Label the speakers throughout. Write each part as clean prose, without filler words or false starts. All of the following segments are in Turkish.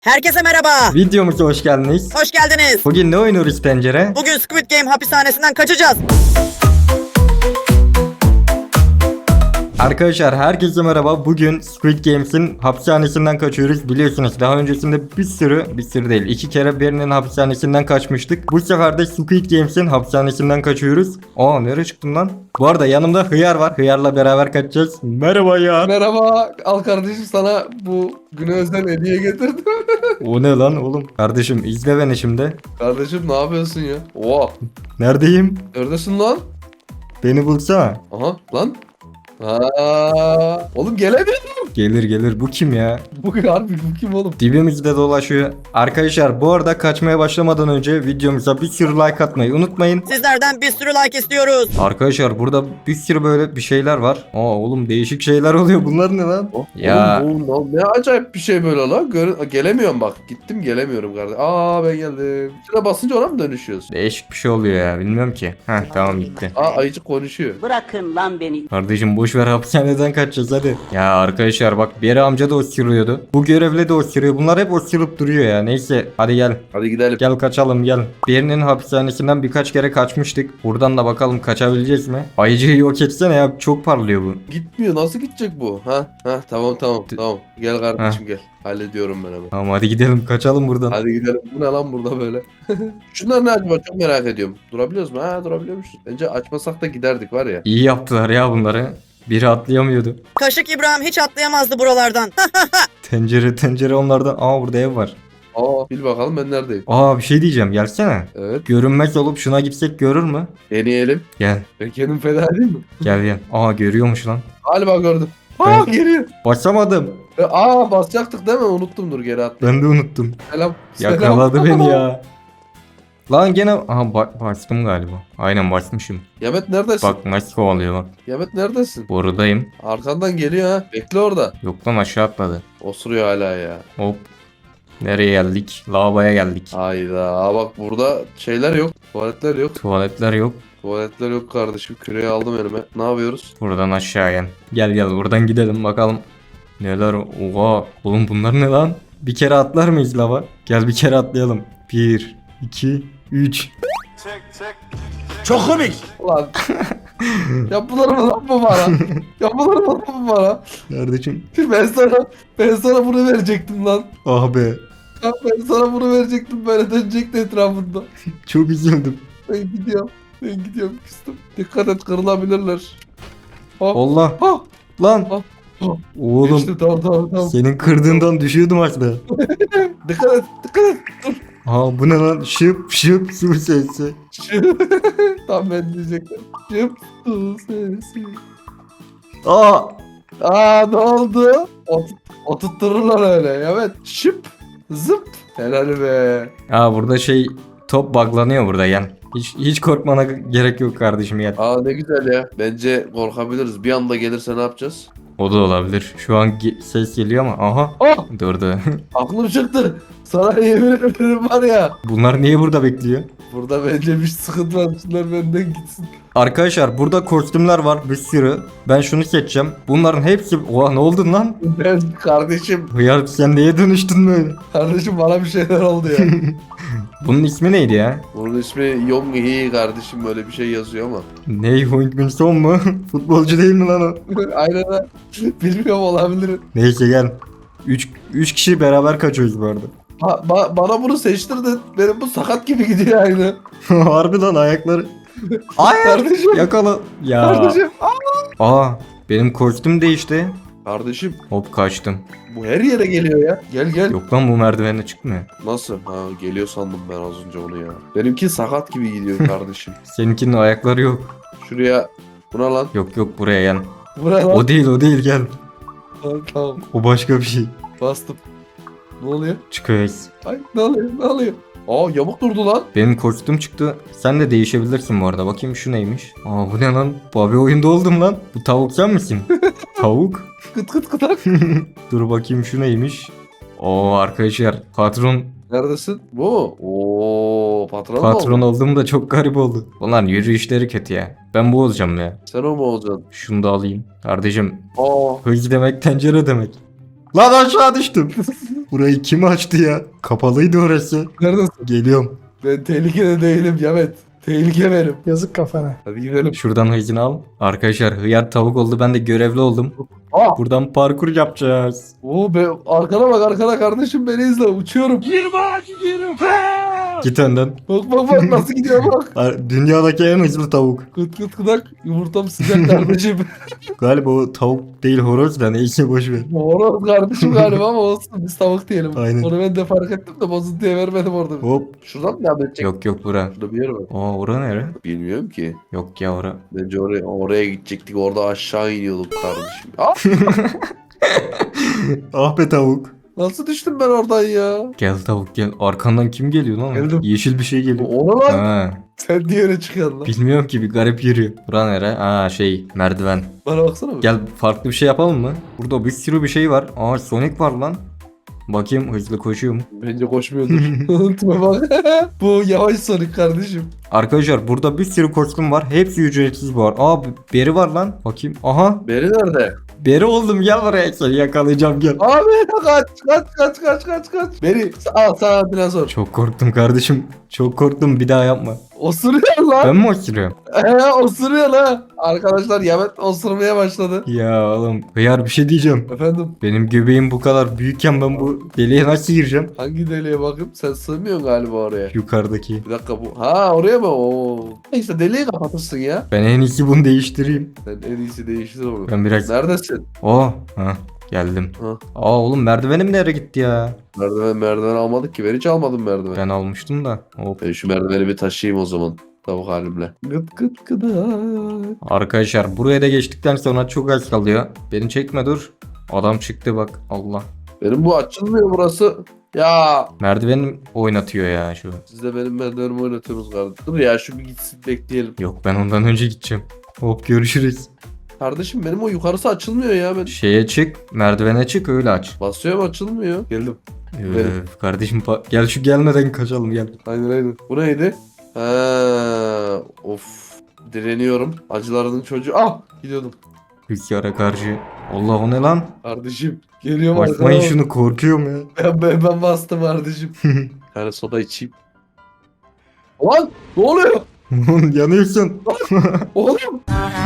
Speaker 1: Herkese merhaba.
Speaker 2: Videomuza hoş geldiniz.
Speaker 1: Hoş geldiniz.
Speaker 2: Bugün ne oynuyoruz pencere?
Speaker 1: Bugün Squid Game hapishanesinden kaçacağız.
Speaker 2: Arkadaşlar herkese merhaba. Bugün Squid Games'in hapishanesinden kaçıyoruz. Biliyorsunuz daha öncesinde bir sürü değil, 2 kere birinin hapishanesinden kaçmıştık. Bu sefer de Squid Games'in hapishanesinden kaçıyoruz. Aa, nereye çıktım lan? Bu arada yanımda Hıyar var. Hıyar'la beraber kaçacağız. Merhaba ya.
Speaker 3: Merhaba, al kardeşim, sana bu güne özel hediye getirdim.
Speaker 2: O ne lan oğlum? Kardeşim izle beni şimdi.
Speaker 3: Kardeşim ne yapıyorsun ya? Oha,
Speaker 2: Neredeyim?
Speaker 3: neredesin lan?
Speaker 2: Beni bulsana.
Speaker 3: Aha lan. Aa, oğlum gelemiyorum.
Speaker 2: Gelir. Bu kim ya?
Speaker 3: Bu harbi bu kim oğlum?
Speaker 2: Dibimizde dolaşıyor. Arkadaşlar bu arada kaçmaya başlamadan önce videomuza bir sürü like atmayı unutmayın.
Speaker 1: Sizlerden bir sürü like istiyoruz.
Speaker 2: Arkadaşlar burada bir sürü böyle bir şeyler var. Aa oğlum değişik şeyler oluyor. Bunlar ne lan?
Speaker 3: Oh,
Speaker 2: Ya.
Speaker 3: oğlum, bu ne acayip bir şey böyle lan. Gelemiyorum bak. Gittim gelemiyorum kardeşim. Aa, ben geldim. Şuna basınca ona mı dönüşüyoruz?
Speaker 2: Değişik bir şey oluyor ya. Bilmiyorum ki. Heh tamam gitti.
Speaker 3: Aa, ayıcık konuşuyor.
Speaker 4: Bırakın lan beni.
Speaker 2: Kardeşim boş ver, hapishaneden kaçacağız hadi. Ya arkadaşlar bak, bir yere amca da osuruyordu. Bu görevle de osuruyor. Bunlar hep osurup duruyor ya. Neyse hadi gel.
Speaker 3: Hadi gidelim.
Speaker 2: Gel kaçalım gel. Birinin hapishanesinden birkaç kere kaçmıştık. Buradan da bakalım kaçabileceğiz mi? Ayıcıyı yok etsene ya, çok parlıyor bu.
Speaker 3: Gitmiyor. Nasıl gidecek bu? Ha tamam. Gel kardeşim gel. Hallediyorum ben hemen.
Speaker 2: Tamam hadi gidelim, kaçalım buradan.
Speaker 3: Hadi gidelim. Bu ne lan burada böyle? Şunlar ne acaba? Çok merak ediyorum. Durabiliyoruz mu? Ha, durabiliyormuşuz. Bence açmasak da giderdik var ya.
Speaker 2: İyi yaptılar ya bunları. Biri atlayamıyordu.
Speaker 1: Kaşık İbrahim hiç atlayamazdı buralardan.
Speaker 2: Tencere onlardan. Aa burada ev var.
Speaker 3: Aa, bil bakalım ben neredeyim.
Speaker 2: Aa bir şey diyeceğim, gelsene.
Speaker 3: Evet.
Speaker 2: Görünmez olup şuna gitsek görür mü?
Speaker 3: Deneyelim.
Speaker 2: Gel
Speaker 3: Ben kendim feda değil mi?
Speaker 2: gel. Aa görüyormuş lan.
Speaker 3: Galiba gördüm. Aa, geliyor.
Speaker 2: Basamadım.
Speaker 3: Aa, basacaktık değil mi? Unuttum, dur geri atla.
Speaker 2: Ben de unuttum.
Speaker 3: Selam.
Speaker 2: Yakaladı beni ya. Lan gene aha bastım galiba. Aynen basmışım.
Speaker 3: Yemet neredesin?
Speaker 2: Bak nasıl kovalıyor bak.
Speaker 3: Yemet neredesin?
Speaker 2: Buradayım.
Speaker 3: Arkandan geliyor ha. Bekle orada.
Speaker 2: Yok lan, aşağı atladı.
Speaker 3: Osuruyor hala ya.
Speaker 2: Hop. Nereye geldik? Lavaboya geldik.
Speaker 3: Hayda. Aa, bak burada şeyler yok. Tuvaletler yok.
Speaker 2: Tuvaletler yok.
Speaker 3: Tuvaletler yok kardeşim. Küreği aldım elime. Ne yapıyoruz?
Speaker 2: Buradan aşağı gel buradan gidelim bakalım. Neler? Oha oğlum bunlar ne lan? Bir kere atlar mıyız lava? Gel bir kere atlayalım. 1 2 3.
Speaker 3: Ulan. Yapılır mı lan bu bana? Yapılır mı lan bu bana?
Speaker 2: Kardeşim.
Speaker 3: Ben sana bunu verecektim lan.
Speaker 2: Ah be.
Speaker 3: Ya ben sana bunu verecektim, böyle dönecekti etrafında.
Speaker 2: Çok üzüldüm.
Speaker 3: Ben gidiyorum küstüm. Dikkat et, kırılabilirler. Hop.
Speaker 2: Allah.
Speaker 3: Hop.
Speaker 2: Lan.
Speaker 3: Hop. Hop.
Speaker 2: Oğlum.
Speaker 3: Geçti, tamam.
Speaker 2: Senin kırdığından düşüyordum aslında.
Speaker 3: Dikkat et.
Speaker 2: Aa bu ne lan? Şıp su sesi.
Speaker 3: Tam ben diyecektim. Şıp su sesi.
Speaker 2: Aa.
Speaker 3: Aa, ne oldu? Oturttururlar öyle. Evet. Şıp. Zıp. Helal be.
Speaker 2: Aa burada top buglanıyor burada gel. Hiç korkmana gerek yok kardeşim ya.
Speaker 3: Aa, ne güzel ya. Bence korkabiliriz. Bir anda gelirse ne yapacağız?
Speaker 2: O da olabilir. Şu an ses geliyor ama aha
Speaker 3: Oh!
Speaker 2: durdu.
Speaker 3: Aklım çıktı. Sana yemin ederim var ya.
Speaker 2: Bunlar niye burada bekliyor?
Speaker 3: Burada bence bir sıkıntı var. Şunlar benden gitsin.
Speaker 2: Arkadaşlar burada kostümler var bir sürü. Ben şunu seçeceğim. Bunların hepsi... Oha ne oldu lan?
Speaker 3: Ben kardeşim.
Speaker 2: Hıyar sen neye dönüştün böyle?
Speaker 3: Kardeşim bana bir şeyler oldu ya.
Speaker 2: Bunun ismi neydi ya?
Speaker 3: Bunun ismi Yong Hee kardeşim, böyle bir şey yazıyor ama.
Speaker 2: Ney Hong Son mu? Futbolcu değil mi lan o?
Speaker 3: Aynen ha. Bilmiyorum, olabilir.
Speaker 2: Neyse gel. 3 kişi beraber kaçıyoruz bu arada.
Speaker 3: Bana bunu seçtirdin. Benim bu sakat gibi gidiyor aynı.
Speaker 2: Harbi lan ayakları. Ay
Speaker 3: Kardeşim.
Speaker 2: yakala. Ya.
Speaker 3: Kardeşim.
Speaker 2: Aa benim kostüm değişti.
Speaker 3: Kardeşim,
Speaker 2: Hop kaçtım.
Speaker 3: bu her yere geliyor ya. Gel.
Speaker 2: Yok lan bu merdivenle çıkmıyor.
Speaker 3: Nasıl? Ha, geliyor sandım ben az önce onu ya. Benimki sakat gibi gidiyor kardeşim.
Speaker 2: Seninkinin ayakları yok.
Speaker 3: Şuraya. Buna lan.
Speaker 2: Yok buraya gel.
Speaker 3: Buna lan.
Speaker 2: O değil gel.
Speaker 3: Tamam.
Speaker 2: O başka bir şey.
Speaker 3: Bastım. Ne oluyor?
Speaker 2: Çıkıyoruz.
Speaker 3: Ay, ne oluyor? Aa, yamuk durdu lan.
Speaker 2: Benim kostüm çıktı. Sen de değişebilirsin bu arada. Bakayım şu neymiş. Aa bu ne lan? Bobby oyunda oldum lan. Bu tavuk sen misin? Tavuk.
Speaker 3: Kıt kıtak.
Speaker 2: Dur bakayım şu neymiş. Oo arkadaşlar patron
Speaker 3: Neredesin? Bu mu? Oo, patron mu
Speaker 2: patron
Speaker 3: oldun?
Speaker 2: oldum da çok garip oldu. Ulan yürüyüşleri kötü ya. Ben bu olacağım ya.
Speaker 3: Sen o mu olacaksın?
Speaker 2: Şunu da alayım. Kardeşim
Speaker 3: Aa.
Speaker 2: hız demek tencere demek. Lan aşağı düştüm. Burayı kim açtı ya? Kapalıydı orası.
Speaker 3: Neredesin?
Speaker 2: Geliyorum.
Speaker 3: Ben tehlikede değilim Yamet. Tehlike benim.
Speaker 4: Yazık kafana.
Speaker 3: Hadi gidelim.
Speaker 2: Şuradan hızını al. Arkadaşlar hıyar tavuk oldu. Ben de görevli oldum.
Speaker 3: Aa!
Speaker 2: Buradan parkur yapacağız.
Speaker 3: Oo be, arkana bak arkana kardeşim beni izle uçuyorum.
Speaker 2: Git önden.
Speaker 3: Bak nasıl gidiyor bak.
Speaker 2: Dünyadaki en hızlı tavuk.
Speaker 3: Kıt kıt kıdak yumurtam sıcak kardeşim.
Speaker 2: Galiba o tavuk değil horoz da neyse boş ver.
Speaker 3: Horoz kardeşim galiba ama olsun biz tavuk diyelim.
Speaker 2: Aynen.
Speaker 3: Onu ben de fark ettim de bozuntuya vermedim orada.
Speaker 2: Hop.
Speaker 3: Şuradan mı devam edecek?
Speaker 2: Yok bura.
Speaker 3: Şurada bir yer var.
Speaker 2: Aa ora nere?
Speaker 3: Bilmiyorum ki.
Speaker 2: Yok ya ora.
Speaker 3: Bence oraya gidecektik. Orada aşağı iniyorduk kardeşim. Aa,
Speaker 2: Ah be tavuk.
Speaker 3: nasıl düştüm ben oradan ya?
Speaker 2: Gel tavuk gel. Arkandan kim geliyor lan?
Speaker 3: Geldim.
Speaker 2: Yeşil bir şey geliyor.
Speaker 3: Ona lan.
Speaker 2: Ha,
Speaker 3: Sen niye öyle çıkıyorsun lan?
Speaker 2: bilmiyorum ki bir garip yürüyor. Bura nere? Aa şey merdiven.
Speaker 3: Bana baksana.
Speaker 2: Gel farklı bir şey yapalım mı? Burada bir sürü bir şey var. Aa Sonic var lan. Bakayım hızlı koşuyor mu?
Speaker 3: Bence koşmuyordur. Tipe bak. Bu yavaş Sonic kardeşim.
Speaker 2: Arkadaşlar burada bir sürü kostüm var. Hepsi ücretsiz bu var. Aa beri var lan. Bakayım. Aha
Speaker 3: Beri nerede?
Speaker 2: beri oldum gel buraya seni yakalayacağım gel.
Speaker 3: Abi kaç. Beri sana dinozor.
Speaker 2: Çok korktum kardeşim. Çok korktum bir daha yapma.
Speaker 3: Osuruyor lan.
Speaker 2: Ben mi osuruyorum?
Speaker 3: Osuruyor lan. Arkadaşlar Yamet osurmaya başladı.
Speaker 2: Ya oğlum hıyar bir şey diyeceğim.
Speaker 3: Efendim
Speaker 2: Benim göbeğim bu kadar büyükken ben bu deliğe nasıl gireceğim?
Speaker 3: hangi deliğe bakayım? Sen sığmıyorsun galiba oraya.
Speaker 2: Yukarıdaki.
Speaker 3: Bir dakika bu. Ha oraya mı? Oo. İşte deliği kapatırsın ya.
Speaker 2: Ben en iyisi bunu değiştireyim.
Speaker 3: Sen en iyisi değiştir onu.
Speaker 2: Ben biraz...
Speaker 3: Neredesin?
Speaker 2: Oh. Ha geldim.
Speaker 3: Ha.
Speaker 2: Aa oğlum merdivenim nereye gitti ya?
Speaker 3: Merdiven almadık ki. Ben hiç almadım merdiven.
Speaker 2: Ben almıştım da. Hop.
Speaker 3: Ben şu merdiveni bir taşıyayım o zaman. Tavuk halimle. Gıt gıt gıdak.
Speaker 2: Arkadaşlar buraya da geçtikten sonra çok az kalıyor. Beni çekme dur. Adam çıktı bak Allah.
Speaker 3: Benim bu açılmıyor burası. Ya
Speaker 2: Merdivenim oynatıyor ya şu.
Speaker 3: siz de benim merdivenimi oynatıyorsunuz kardeşim. Dur ya şu bir gitsin bekleyelim.
Speaker 2: Yok ben ondan önce gideceğim. Hop görüşürüz.
Speaker 3: Kardeşim benim o yukarısı açılmıyor ya. Ben
Speaker 2: Şeye çık merdivene çık öyle aç.
Speaker 3: basıyorum açılmıyor. Geldim. Benim.
Speaker 2: Kardeşim gel şu gelmeden kaçalım gel.
Speaker 3: Aynen. Bu neydi? Ha, of. Direniyorum. Acılarının çocuğu. Ah gidiyordum.
Speaker 2: Rüzgara karşı. Allah o ne lan?
Speaker 3: Kardeşim. Geliyorum
Speaker 2: Basmayın
Speaker 3: arkana.
Speaker 2: şunu korkuyorum ya.
Speaker 3: Ben bastım kardeşim. Bir tane soda içeyim. Lan ne oluyor?
Speaker 2: Yanıyorsun.
Speaker 3: Oğlum.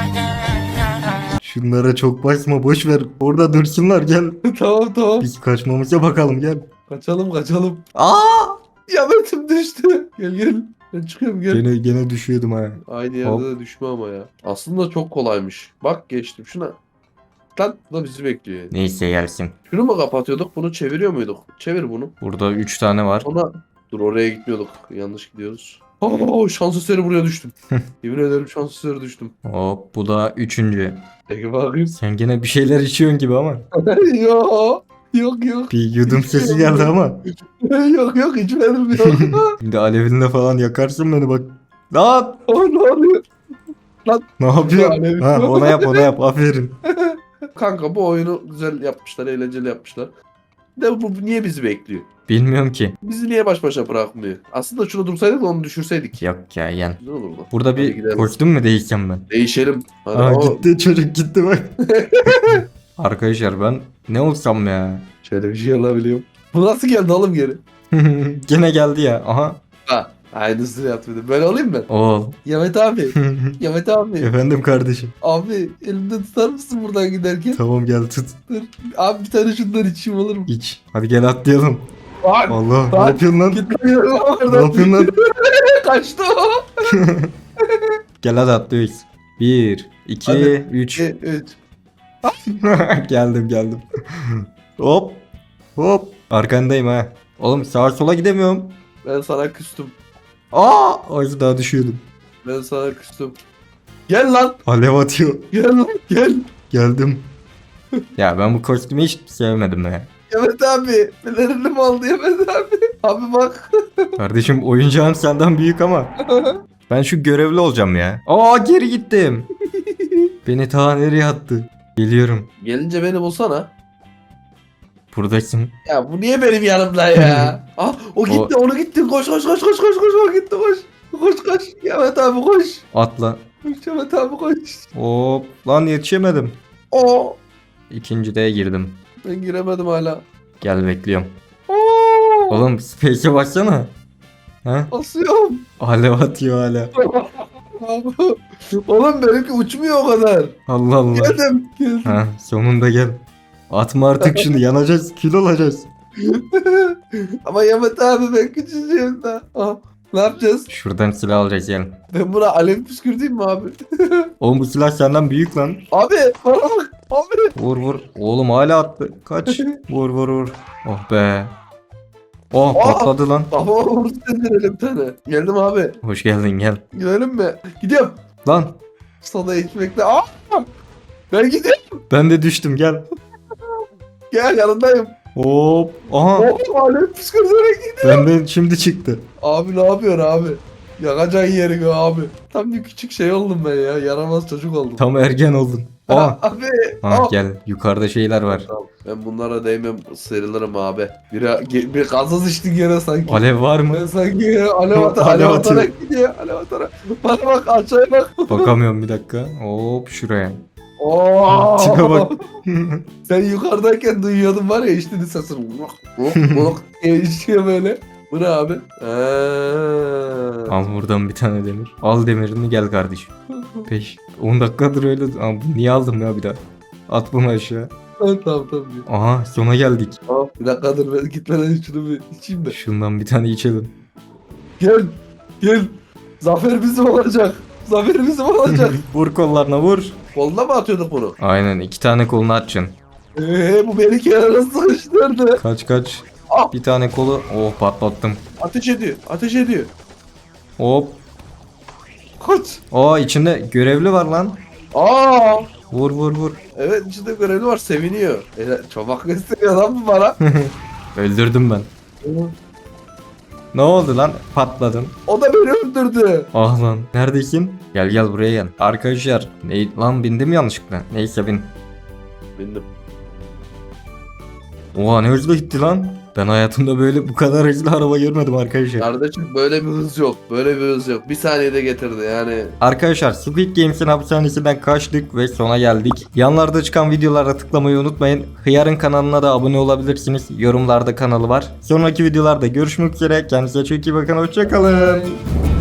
Speaker 2: Şunlara çok basma boş ver. Orada dursunlar gel.
Speaker 3: Tamam.
Speaker 2: Biz kaçmamıza bakalım gel.
Speaker 3: Kaçalım.
Speaker 2: Aa!
Speaker 3: Yametim düştü. Gel. Ben çıkıyorum gel.
Speaker 2: Gene düşüyordum ha.
Speaker 3: Aynı yerde
Speaker 2: Hop.
Speaker 3: de düşme ama ya. Aslında çok kolaymış. Bak geçtim şuna. Lan bu da bizi bekliyor yani.
Speaker 2: Neyse gelsin.
Speaker 3: Şunu mu kapatıyorduk? Bunu çeviriyor muyduk? Çevir bunu.
Speaker 2: Burada 3 tane var.
Speaker 3: Sonra dur oraya gitmiyorduk. Yanlış gidiyoruz. Oo şans eseri buraya düştüm. Yemin ederim şans eseri düştüm.
Speaker 2: Hop bu da 3.
Speaker 3: Peki bakayım.
Speaker 2: Sen gene bir şeyler içiyorsun gibi ama.
Speaker 3: Yok.
Speaker 2: Bir yudum sesi geldi ama.
Speaker 3: yok içmedim yok.
Speaker 2: Şimdi alevinle falan yakarsın beni bak. Lan!
Speaker 3: Ne oluyor?
Speaker 2: Ne yapıyorsun?
Speaker 3: Alevin.
Speaker 2: Ha, ona yap aferin.
Speaker 3: Kanka bu oyunu güzel yapmışlar, eğlenceli yapmışlar. De bu niye bizi bekliyor?
Speaker 2: Bilmiyorum ki.
Speaker 3: Bizi niye baş başa bırakmıyor? Aslında şunu dursaydık da onu düşürseydik.
Speaker 2: Yok ya yen.
Speaker 3: Güzel olurdu.
Speaker 2: Burada
Speaker 3: Hadi
Speaker 2: bir
Speaker 3: gidelim.
Speaker 2: kostüm mü değişeceğim ben?
Speaker 3: Değişelim. Hadi.
Speaker 2: Aa
Speaker 3: o-
Speaker 2: gitti çocuk gitti bak. Arkadaşlar ben ne olsam ya?
Speaker 3: Şöyle bir şey alabiliyorum. Bu nasıl geldi oğlum geri?
Speaker 2: Gene geldi ya. Aha.
Speaker 3: Ha. Aynısını yaptım. Ben alayım mı?
Speaker 2: Ol.
Speaker 3: Yamet abi. Yamet abi.
Speaker 2: Efendim kardeşim.
Speaker 3: Abi elimden tutar mısın buradan giderken?
Speaker 2: Tamam gel tut.
Speaker 3: Abi bir tane şundan içeyim olur mu?
Speaker 2: İç. Hadi gel atlayalım.
Speaker 3: Bak.
Speaker 2: Allah ne
Speaker 3: Bak.
Speaker 2: yapıyorsun lan?
Speaker 3: Git lan yürü lan
Speaker 2: Ne
Speaker 3: oradan.
Speaker 2: yapıyorsun lan?
Speaker 3: Kaçtı o.
Speaker 2: Gel hadi atlıyoruz. 1, 2,
Speaker 3: Hadi.
Speaker 2: 3.
Speaker 3: 3.
Speaker 2: Geldim. Hop. Arkandayım ha. Oğlum sağa sola gidemiyorum.
Speaker 3: Ben sana küstüm.
Speaker 2: Az daha düşüyordum.
Speaker 3: Ben sana küstüm. Gel lan.
Speaker 2: Alev atıyor.
Speaker 3: Gel lan. Gel.
Speaker 2: Geldim. Ya ben bu kostümü hiç sevmedim ya.
Speaker 3: Yamet abi. Pelerini mi aldı Yamet abi? Abi bak.
Speaker 2: Kardeşim oyuncağın senden büyük ama. Ben şu görevli olacağım ya. Geri gittim. Beni ta nereye attı? Geliyorum.
Speaker 3: Gelince beni bulsana.
Speaker 2: Buradasın.
Speaker 3: Ya bu niye benim yanımda ya? O gitti onu gitti. Koş. O gitti koş. Koş. Yamet abi koş.
Speaker 2: Atla.
Speaker 3: Koş Yamet abi koş.
Speaker 2: Hop. Lan yetişemedim.
Speaker 3: O.
Speaker 2: İkincide girdim.
Speaker 3: Ben giremedim hala.
Speaker 2: Gel bekliyorum. Oğlum Space'e baksana. Ha?
Speaker 3: Basıyorum.
Speaker 2: Alev atıyor hala.
Speaker 3: Oğlum benimki uçmuyor o kadar.
Speaker 2: Allah Allah.
Speaker 3: Geldim.
Speaker 2: Ha, sonunda gel. Atma artık şunu, yanacağız, kül olacağız.
Speaker 3: Ama Yamet abi ben küçücüğüm daha. Ne yapacağız?
Speaker 2: Şuradan silah alacağız gel.
Speaker 3: Ben buna alev püskürteyim mi abi?
Speaker 2: Oğlum bu silah senden büyük lan.
Speaker 3: Abi bana bak. Abi.
Speaker 2: Vur vur. Oğlum hala attı. Kaç. Vur vur vur. Oh be. Oh
Speaker 3: Aa!
Speaker 2: patladı lan.
Speaker 3: Baba vurdu bir tane. Geldim abi.
Speaker 2: Hoş geldin gel.
Speaker 3: Gidelim mi? Gidiyorum.
Speaker 2: Lan
Speaker 3: Sana ekmekle. Aa! Ben gidiyorum.
Speaker 2: ben de düştüm gel.
Speaker 3: Gel yanındayım.
Speaker 2: Hop. Aha.
Speaker 3: Oh alev püskürterek gidiyor.
Speaker 2: Benden şimdi çıktı.
Speaker 3: Abi ne yapıyorsun abi? Yakacağın yeri gö abi. Tam bir küçük şey oldum ben ya. Yaramaz çocuk oldum.
Speaker 2: Tam ergen oldun. Aa.
Speaker 3: Abi.
Speaker 2: Ha
Speaker 3: aa.
Speaker 2: gel. Yukarıda şeyler var.
Speaker 3: Tamam. Ben bunlara değmem, sıyrılırım abi. Bir gazoz içtin gene sanki.
Speaker 2: Alev var mı?
Speaker 3: Ben sanki ya, alev
Speaker 2: Alev
Speaker 3: alev
Speaker 2: atıyor.
Speaker 3: atarak gidiyor. Alev atarak. Bana bak aşağıya bak.
Speaker 2: Bakamıyorum bir dakika. Hop şuraya.
Speaker 3: Oo.
Speaker 2: Tipe bak.
Speaker 3: Sen yukarıdayken duyuyordun var ya içtiğini sesini. Vuk diye içiyor böyle. Bu ne abi?
Speaker 2: Al buradan bir tane demir. Al demirini gel kardeşim. 10 dakikadır öyle. Aa, niye aldım ya bir daha? At bunu aşağı.
Speaker 3: Tamam.
Speaker 2: Aha sona geldik.
Speaker 3: Tamam. Bir dakika dur ben gitmeden şunu bir içeyim de.
Speaker 2: Şundan bir tane içelim.
Speaker 3: Gel. Zafer bizim olacak. Zafer bizim olacak.
Speaker 2: Vur kollarına vur.
Speaker 3: Koluna mı atıyorduk bunu?
Speaker 2: Aynen 2 tane kolunu açacaksın.
Speaker 3: Bu beni kenara sıkıştırdı.
Speaker 2: Kaç.
Speaker 3: Ah!
Speaker 2: Bir tane kolu. Oh patlattım.
Speaker 3: Ateş ediyor.
Speaker 2: Hop.
Speaker 3: Kaç.
Speaker 2: Aa içinde görevli var lan.
Speaker 3: Aa!
Speaker 2: Vur vur vur.
Speaker 3: Evet içinde görevli var seviniyor. Çomak gösteriyor lan bu bana.
Speaker 2: Öldürdüm ben. Ne oldu lan? Patladın.
Speaker 3: O da beni öldürdü.
Speaker 2: Ah lan. Neredesin? Gel gel buraya gel. Arkadaşlar. Lan bindim yanlışlıkla. Neyse bin.
Speaker 3: Bindim.
Speaker 2: Oha ne hızlı gitti lan. Ben hayatımda böyle bu kadar hızlı araba görmedim arkadaşlar.
Speaker 3: Kardeşim böyle bir hız yok. Böyle bir hız yok. Bir saniyede getirdi yani.
Speaker 2: Arkadaşlar Squid Games'in hapishanesinden kaçtık ve sona geldik. Yanlarda çıkan videolara tıklamayı unutmayın. Hıyar'ın kanalına da abone olabilirsiniz. Yorumlarda kanalı var. Sonraki videolarda görüşmek üzere. Kendinize çok iyi bakın. Hoşçakalın.